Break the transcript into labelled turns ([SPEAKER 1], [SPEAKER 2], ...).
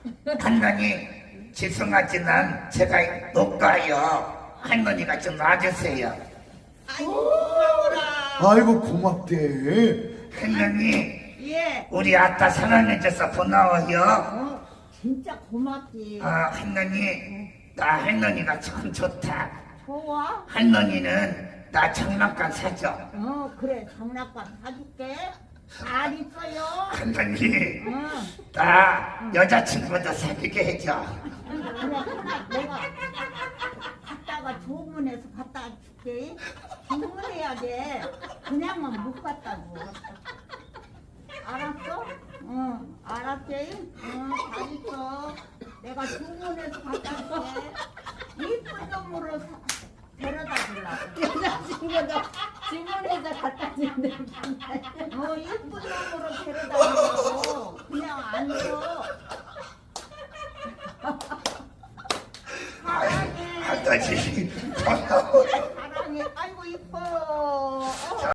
[SPEAKER 1] 할머니 죄송하지만 제가 못 가요. 할머니가 좀 놔주세요.
[SPEAKER 2] 아이고 고마워라.
[SPEAKER 3] 아이고 고맙대.
[SPEAKER 1] 할머니
[SPEAKER 2] 예.
[SPEAKER 1] 우리 아따 사랑해줘서 고마워요.
[SPEAKER 2] 진짜 고맙지.
[SPEAKER 1] 할머니 나 할머니가 참 좋다.
[SPEAKER 2] 좋아?
[SPEAKER 1] 할머니는 나 장난감 사줘.
[SPEAKER 2] 그래 장난감 사줄게. 잘 있어요.
[SPEAKER 1] 할머니
[SPEAKER 2] 응.
[SPEAKER 1] 나 여자친구도 사귀게 해줘.
[SPEAKER 2] 그래 내가 갔다가 조문해서 갖다 줄게. 주문해야 돼. 그냥만 못 갖다고. 알았어? 응, 알았지? 응, 잘 있어. 내가 주문해서 갖다 줄게. 이쁜 놈으로 데려다 주려고.
[SPEAKER 4] 여자친구도 주문해서 갖다 준대.
[SPEAKER 2] 이쁜 놈으로 데려다 주려고. 그냥 안 줘. 사랑해.
[SPEAKER 1] 할아버지 고마워요.
[SPEAKER 2] 사랑해. 아이고 이뻐.